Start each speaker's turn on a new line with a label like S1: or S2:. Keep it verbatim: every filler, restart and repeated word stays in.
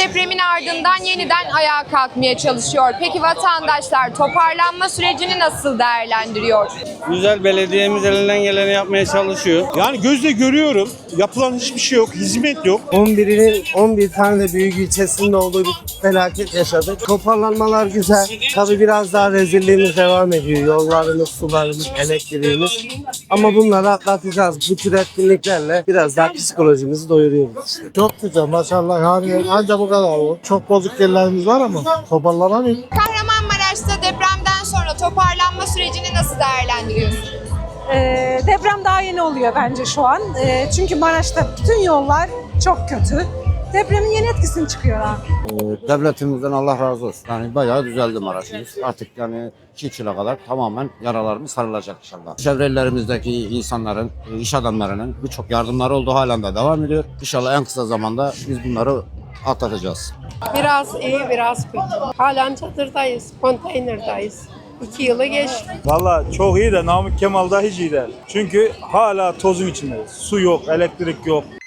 S1: depremin ardından yeniden ayağa kalkmaya çalışıyor. Peki vatandaşlar toparlanma sürecini nasıl değerlendiriyor?
S2: Güzel, belediyemiz elinden geleni yapmaya çalışıyor.
S3: Yani gözle görüyorum. Yapılan hiçbir şey yok. Hizmet yok.
S4: on birinin on bir tane de büyük ilçesinde olduğu bir felaket yaşadık. Toparlanmalar güzel. Tabii biraz daha rezilliğimiz devam ediyor. Yollarımız, sularımız, elektriğimiz. Ama bunları atlatacağız. Bu tür etkinliklerle biraz daha psikolojimizi doyuruyoruz işte.
S5: Çok güzel maşallah, yani ancak bu kadar olur. Çok bozuk yerlerimiz var ama toparlanamıyor.
S1: Kahramanmaraş'ta depremden sonra toparlanma sürecini nasıl değerlendiriyorsunuz?
S6: Ee, deprem daha yeni oluyor bence şu an. Ee, çünkü Maraş'ta bütün yollar çok kötü. Depremin yeni etkisini çıkıyor abi.
S7: Devletimizden Allah razı olsun. Yani bayağı düzeldi Maraş'ımız. Artık yani iki yıla kadar tamamen yaralarımız sarılacak inşallah. Çevrelerimizdeki insanların, iş adamlarının birçok yardımları oldu, halen de devam ediyor. İnşallah en kısa zamanda biz bunları atlatacağız.
S8: Biraz iyi, biraz kötü. Halen çadırdayız, konteynerdayız. İki yılı geçti.
S3: Valla çok iyi de Namık Kemal'da hiç iyi değil. Çünkü hala tozun içindeyiz. Su yok, elektrik yok.